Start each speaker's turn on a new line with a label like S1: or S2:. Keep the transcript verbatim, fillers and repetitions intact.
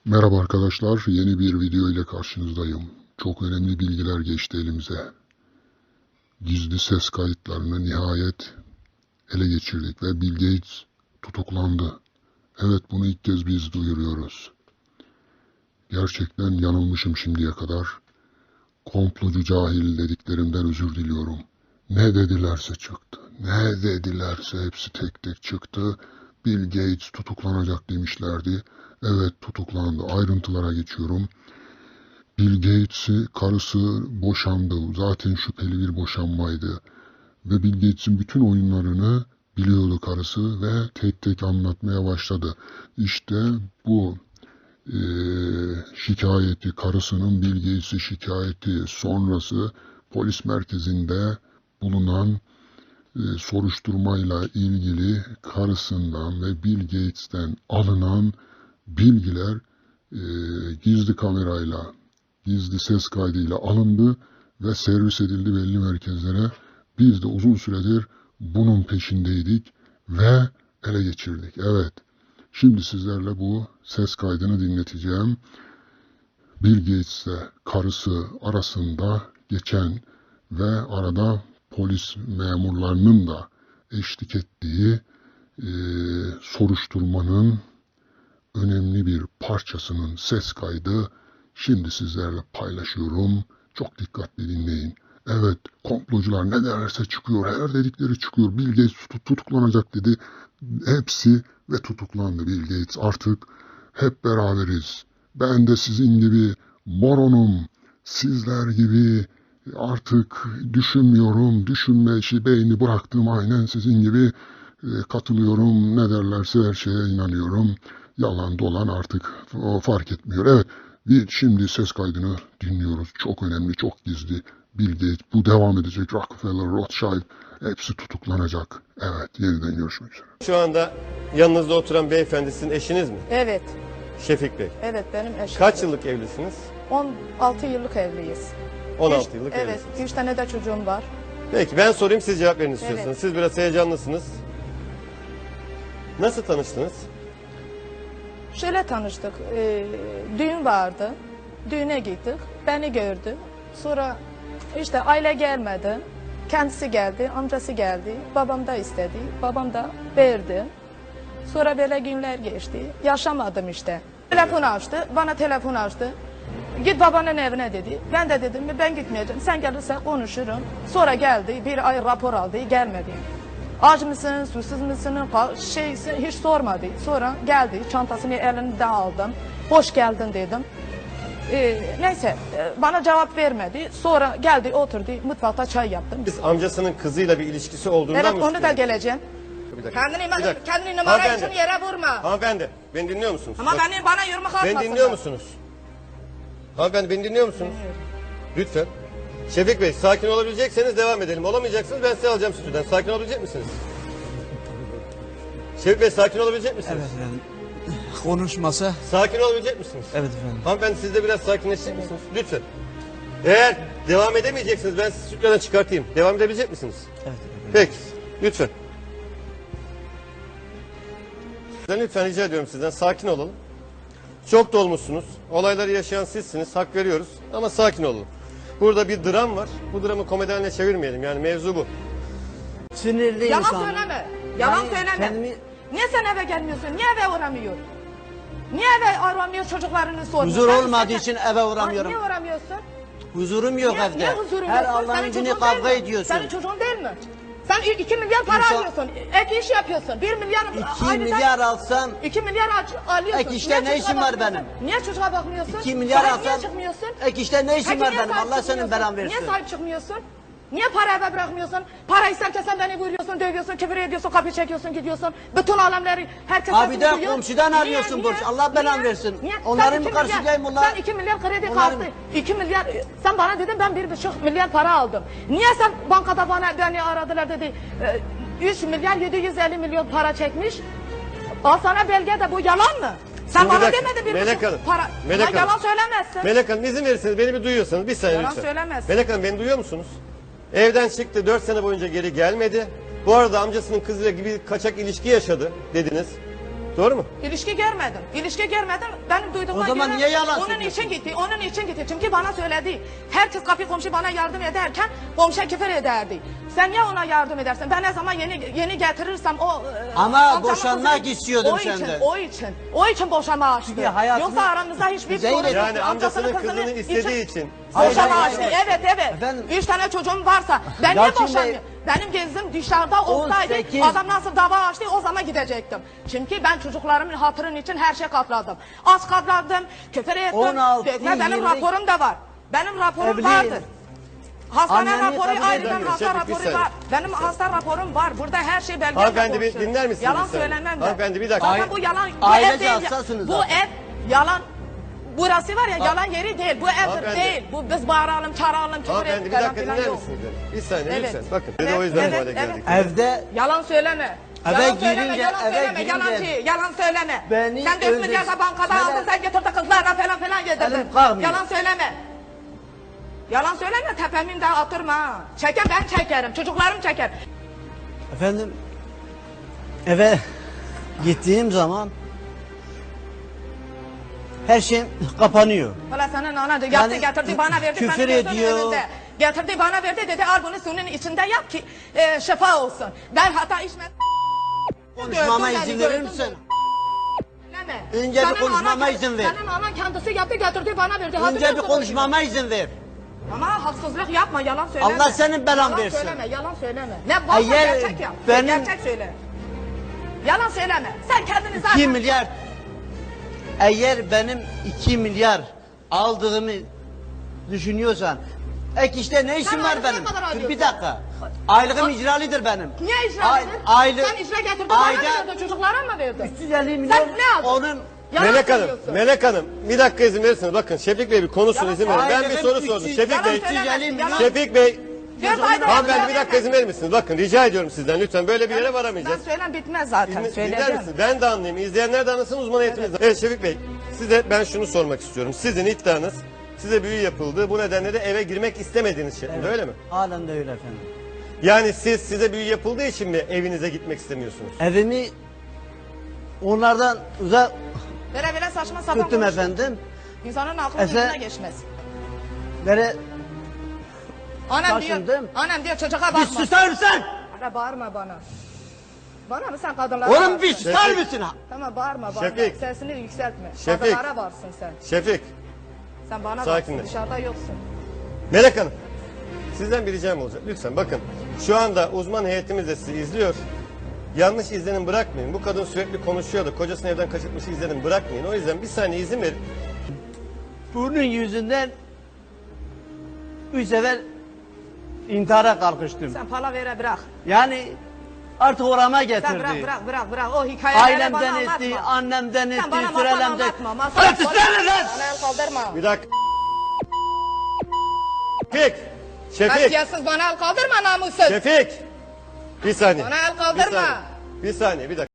S1: Merhaba arkadaşlar, yeni bir video ile karşınızdayım. Çok önemli bilgiler geçti elimize. Gizli ses kayıtlarını nihayet ele geçirdik ve Bill Gates tutuklandı. Evet, bunu ilk kez biz duyuruyoruz. Gerçekten yanılmışım şimdiye kadar. Komplocu cahil dediklerimden özür diliyorum. Ne dedilerse çıktı. Ne dedilerse hepsi tek tek çıktı. Bill Gates tutuklanacak demişlerdi. Evet, tutuklandı. Ayrıntılara geçiyorum. Bill Gates'i karısı boşandı. Zaten şüpheli bir boşanmaydı. Ve Bill Gates'in bütün oyunlarını biliyordu karısı ve tek tek anlatmaya başladı. İşte bu e, şikayeti, karısının Bill Gates'i şikayeti sonrası polis merkezinde bulunan e, soruşturmayla ilgili karısından ve Bill Gates'ten alınan bilgiler e, gizli kamerayla, gizli ses kaydıyla alındı ve servis edildi belli merkezlere. Biz de uzun süredir bunun peşindeydik ve ele geçirdik. Evet, şimdi sizlerle bu ses kaydını dinleteceğim. Bill Gates'le karısı arasında geçen ve arada polis memurlarının da eşlik ettiği e, soruşturmanın önemli bir parçasının ses kaydı şimdi sizlerle paylaşıyorum. Çok dikkatli dinleyin. Evet, komplocular ne derse çıkıyor, her dedikleri çıkıyor. Bill Gates tut tutuklanacak dedi. Hepsi ve tutuklandı Bill Gates. Artık hep beraberiz. Ben de sizin gibi moronum. Sizler gibi artık düşünmüyorum. Düşünme işi, beyni bıraktım, aynen sizin gibi e, katılıyorum. Ne derlerse her şeye inanıyorum. Yalan dolan artık o fark etmiyor. Evet, bir şimdi ses kaydını dinliyoruz. Çok önemli, çok gizli. Bill Gates, bu devam edecek. Rockefeller, Rothschild hepsi tutuklanacak. Evet, yeniden görüşmek üzere.
S2: Şu anda yanınızda oturan beyefendi sizin eşiniz mi?
S3: Evet,
S2: Şefik Bey.
S3: evet benim eşim.
S2: Kaç yıllık evlisiniz?
S3: on altı yıllık evliyiz.
S2: on
S3: Üç-
S2: altı yıllık
S3: Evet,
S2: evlisiniz.
S3: üç tane de çocuğum var.
S2: Peki ben sorayım, siz cevap verin istiyorsanız.
S3: Evet.
S2: Siz biraz heyecanlısınız. Nasıl tanıştınız?
S3: Şöyle tanıştık, e, düğün vardı. Düğüne gittik, beni gördü. Sonra işte aile gelmedi. Kendisi geldi, amcası geldi. Babam da istedi, babam da verdi. Sonra böyle günler geçti. Yaşamadım işte. Telefon açtı, bana telefon açtı. Git babanın evine dedi. Ben de dedim ben gitmeyeceğim. Sen gelirsen konuşurum. Sonra geldi, bir ay rapor aldı, gelmedi. Aç mısın, susuz musun, şeysin hiç sormadı. Sonra geldi, çantasını elinden aldım. Hoş geldin dedim. Ee, neyse, e, bana cevap vermedi. Sonra geldi, oturdu, mutfakta çay yaptım.
S2: Biz amcasının kızıyla bir ilişkisi olduğundan
S3: Evet,
S2: mı
S3: onu da
S2: şüpheleniyorsunuz?
S3: geleceğim.
S2: Bir dakika.
S3: Kendini,
S2: Bir dakika.
S3: kendini numara için
S2: Hanımefendi.
S3: yere vurma.
S2: Hanımefendi, beni dinliyor musunuz?
S3: Ama
S2: Bak,
S3: beni bana yürüme kalkmasın.
S2: beni dinliyor musunuz? Hanımefendi, beni dinliyor musunuz? Lütfen. Şefik Bey, sakin olabilecekseniz devam edelim. Olamayacaksınız, ben size alacağım stüdyodan. Sakin olabilecek misiniz? Şefik Bey, sakin olabilecek misiniz?
S4: Evet efendim. Konuşmasa.
S2: Sakin olabilecek misiniz?
S4: Evet efendim.
S2: Hanımefendi, siz de biraz sakinleşecek misiniz? Lütfen. Eğer devam edemeyeceksiniz, ben sizi stüdyodan çıkartayım. Devam edebilecek misiniz?
S4: Evet efendim.
S2: Peki, lütfen. Ben lütfen rica ediyorum sizden, sakin olalım. Çok dolmuşsunuz. Olayları yaşayan sizsiniz, hak veriyoruz. Ama sakin olun. Burada bir dram var. Bu dramı komedi haline çevirmeyelim. Yani mevzu bu.
S4: Sinirli
S3: Yalan
S4: insan.
S3: söyleme. Yalan
S4: Ben
S3: söyleme.
S4: kendimi-
S3: Niye sen eve gelmiyorsun? Niye eve uğramıyor? Niye eve aramıyor çocuklarını sormuyor?
S4: Huzur
S3: Ben
S4: olmadığı
S3: istesem-
S4: için eve
S3: Aa,
S4: uğramıyorum.
S3: Niye uğramıyorsun?
S4: Huzurum yok
S3: Niye,
S4: evde.
S3: niye huzurun
S4: Her
S3: yok?
S4: Allah'ın
S3: Senin
S4: günü
S3: çocuğun
S4: kavga
S3: değil mi?
S4: ediyorsun.
S3: Senin çocuğun değil mi? Sen i- iki milyar para
S4: İnsan-
S3: alıyorsun. Ek iş yapıyorsun. Bir milyar...
S4: İki
S3: aylık-
S4: milyar alsam
S3: İki milyar al- alıyorsun.
S4: Ek işte
S3: Niye
S4: ne
S3: çocuğa
S4: işim var
S3: bakmıyorsun?
S4: benim?
S3: Niye çocuğa bakmıyorsun?
S4: iki milyar
S3: Sahip niye
S4: alsam
S3: çıkmıyorsun?
S4: ek işte ne işim
S3: Peki
S4: var
S3: niye
S4: benim?
S3: sahip
S4: Allah senin
S3: çıkmıyorsun?
S4: belan versin.
S3: Niye sahip çıkmıyorsun? Niye para eve bırakmıyorsun? Para isterken sen beni vuruyorsun, dövüyorsun, küfür ediyorsun, kapı çekiyorsun, gidiyorsun. Bütün alemleri herkes
S4: Abi de
S3: duyuyor.
S4: komşudan
S3: Niye,
S4: arıyorsun
S3: niye,
S4: borç. Allah belanı
S3: niye,
S4: versin.
S3: niye?
S4: Onların
S3: Sen
S4: mı
S3: iki
S4: karşılayayım
S3: milyar-
S4: bunlar?
S3: Sen iki milyar kredi
S4: Onların-
S3: kalktı. iki milyar, sen bana dedin ben bir buçuk milyar para aldım. Niye sen bankada bana beni aradılar dedi. e, üç milyar yedi yüz elli milyon para çekmiş. Al sana belge de bu yalan mı? Sen
S2: Şimdi bir
S3: bana
S2: dakika,
S3: demedin bir
S2: Melek
S3: buçuk
S2: Hanım,
S3: para.
S2: Melek
S3: Ulan yalan
S2: Hanım.
S3: söylemezsin.
S2: Melek Hanım, izin verirseniz, beni bir duyuyorsanız bir saniye
S3: Yalan
S2: lütfen.
S3: söylemezsin.
S2: Melek Hanım, beni duyuyor musunuz? Evden çıktı, dört sene boyunca geri gelmedi. Bu arada amcasının kızıyla gibi kaçak ilişki yaşadı dediniz. Doğru mu?
S3: İlişki görmedim. İlişki görmedim. Benim duyduğuma
S4: O zaman
S3: göre
S4: niye yalan
S3: onun
S4: söylüyorsun?
S3: için gitti. Onun için gitti. Çünkü bana söyledi. Herkes kapı komşu bana yardım ederken komşuya küfür ederdi. Sen niye ona yardım edersin? Ben ne zaman yeni yeni getirirsem o e,
S4: Ama
S3: amcamın
S4: boşanmak
S3: kızı-
S4: istiyordum
S3: o için,
S4: senden.
S3: O için. O için boşanma açtı.
S4: Çünkü hayatını
S3: Yoksa aramızda hiçbir
S4: Zeynep-
S3: sorun yok.
S2: Yani amcasının kızını istediği için.
S3: Boşanma
S4: Hayır,
S3: açtı.
S4: hayır.
S3: Evet evet.
S4: Efendim?
S3: Üç tane çocuğum varsa ben niye
S4: Yalçın Bey-
S3: boşanmıyorum? Benim gezim dışarıda olsaydı
S4: on sekiz
S3: adam nasıl dava açtı o zaman gidecektim. Çünkü ben çocuklarımın hatırın için her şey katladım. Az katladım, küfür ettim,
S4: on altı,
S3: dökme benim
S4: yirmi
S3: raporum da var. Benim raporum
S4: Evli-
S3: vardır. Hastane
S4: Anneni
S3: raporu
S4: kabul
S3: ayrıca
S2: edemiyorum.
S3: hasta
S2: Şefik, bir
S3: raporu
S2: saniye.
S3: var. Benim hasta raporum var. Burada her şey belgeyle
S2: Hanımefendi bir
S3: konuşuyorum.
S2: dinler misiniz
S3: Yalan
S2: bir saniye?
S3: söylemem ben.
S2: Hanımefendi bir dakika.
S3: Zaten bu yalan, bu
S4: Ailece
S3: ev değil.
S4: hassasınız
S3: Bu
S4: zaten.
S3: ev yalan. Burası var ya yalan yeri değil. Bu evdir
S2: Hanımefendi.
S3: değil. Bu biz bağıralım, çağıralım, küfür
S2: Hanımefendi
S3: edip
S2: bir
S3: falan
S2: dakika
S3: filan
S2: dinler
S3: yok.
S2: misiniz? beni? Bir saniye
S3: Evet.
S2: lütfen. Bakın. Biz de
S3: Evet,
S2: o yüzden bu
S3: evet,
S2: hale geldik.
S3: evet.
S4: Evde
S3: Yalan söyleme.
S4: Eve
S3: Yalan söyleme,
S4: girince,
S3: yalan
S4: eve
S3: söyleme,
S4: girince-
S3: yalancı, yalan söyleme.
S4: Beni
S3: sen dört milyar
S4: öldür-
S3: da bankada
S4: Sen-
S3: aldın, sen getirdin kızlarla falan filan yedirdin.
S4: Elim kalkmıyor.
S3: Yalan söyleme. Yalan söyleme, tepemin de atırma ha. Çeker ben çekerim, çocuklarım çeker.
S4: efendim eve gittiğim zaman her şey kapanıyor.
S3: Valla senin ana yaptı
S4: Yani
S3: getirdi bana verdi.
S4: küfür
S3: benim gözümün
S4: ediyor.
S3: önünde. Getirdi bana verdi dedi al bunu suyun içinde yap ki e, şifa olsun. Ben hata içmedim.
S4: Konuşmama
S3: Gördün
S4: izin
S3: beni,
S4: verir
S3: gördün
S4: misin?
S3: beni. Söyleme.
S4: Önce bir
S3: Senin
S4: konuşmama
S3: anan-
S4: izin ver.
S3: Senin anan kendisi yaptı getirdi bana verdi. Hadi
S4: Önce bir
S3: görsün
S4: konuşmama izin ver.
S3: o gibi. Ama haksızlık yapma yalan söyleme.
S4: Allah senin belan
S3: yalan
S4: versin.
S3: söyleme yalan söyleme. Ne varsa
S4: Eğer
S3: gerçek yap.
S4: benim-
S3: Gerçek söyle. Yalan söyleme. Sen kendini zaten...
S4: iki milyar eğer benim iki milyar aldığımı düşünüyorsan ek işte ne işim
S3: Sen
S4: var
S3: aylık ne
S4: benim?
S3: kadar
S4: Dur
S3: alıyorsun?
S4: bir dakika. Aylığım icralidir benim.
S3: Niye icra
S4: Ay-
S3: edin?
S4: aylık-
S3: Sen icra getirdin bana mı
S4: ayda
S3: verdin çocuklara mı verdin?
S4: üç yüz elli milyon
S3: Sen ne aldın?
S4: onun
S3: Yalan
S2: Melek Hanım,
S3: söylüyorsun.
S2: Melek Hanım bir dakika izin verirseniz bakın Şefik Bey bir konuşsun
S3: Yalan
S2: izin verin. Ben bir
S4: söyleme.
S2: soru
S4: Ailem
S2: sordum.
S4: üç yüz-
S2: Şefik
S3: Yalan
S2: Bey,
S3: söylemezsin, yalan-
S2: Şefik Bey,
S3: Dört ayda
S2: hanımefendi
S3: yalan
S2: bir dakika
S3: söyleme.
S2: izin verir misiniz? Bakın rica ediyorum sizden lütfen böyle bir yere
S3: Ben
S2: varamayacağız.
S3: söylem bitmez zaten.
S2: Dinle- Dinler
S3: Söyleyeceğim.
S2: misiniz? Ben de anlayayım. İzleyenler de anlasın uzman eğitiminiz. Evet Şefik Bey size ben şunu sormak istiyorum. Sizin iddianız size büyü yapıldı. Bu nedenle de eve girmek istemediğiniz şeklinde öyle mi?
S4: halen de öyle efendim.
S2: Yani siz size büyü yapıldığı için mi evinize gitmek istemiyorsunuz?
S4: Evimi onlardan uzak
S3: Böyle böyle saçma sapan
S4: tuttum
S3: konuşma.
S4: efendim.
S3: İnsanın aklı
S4: Efe-
S3: yüzüne geçmez.
S4: Böyle
S3: Annem diyor,
S4: taşındım.
S3: annem diyor çocuğa
S4: bir
S3: bakma.
S4: susar mısın?
S3: Ara bağırma bana. Bana mı sen kadınlara
S4: Oğlum
S3: varsın?
S4: bir susar
S2: Şefik.
S4: mısın?
S3: Tamam bağırma bağırma.
S2: Şefik.
S3: Sesini yükseltme.
S2: Şefik.
S3: Kadınlara varsın sen.
S2: Şefik,
S3: Sen bana
S2: Sakinleş.
S3: varsın dışarıda yoksun.
S2: Melek Hanım sizden bir ricam olacak. Lütfen bakın şu anda uzman heyetimiz de sizi izliyor. Yanlış izlenim bırakmayın. Bu kadın sürekli konuşuyordu. Kocasını evden kaçırtmış izlenim bırakmayın. O yüzden bir saniye izin verin.
S4: Bunun yüzünden üç sefer intihara kalkıştım.
S3: Sen palavere bırak.
S4: Yani artık orama
S3: Sen
S4: getirdi.
S3: bırak bırak bırak bırak. O hikayeleri
S4: Ailemden
S3: bana
S4: etti,
S3: anlatma.
S4: annemden
S3: Sen
S4: etti,
S3: bana masal
S4: sürelemden.
S3: anlatma. Masal
S4: Ötüsene lan!
S3: Bana el kaldırma.
S2: Bir dakika. Şefik. Şefik.
S3: Kasiyatsız bana el kaldırma namussuz.
S2: Şefik. Bir saniye.
S3: Bana el
S2: Bir
S3: kaldırma.
S2: saniye. Bir saniye bir dakika.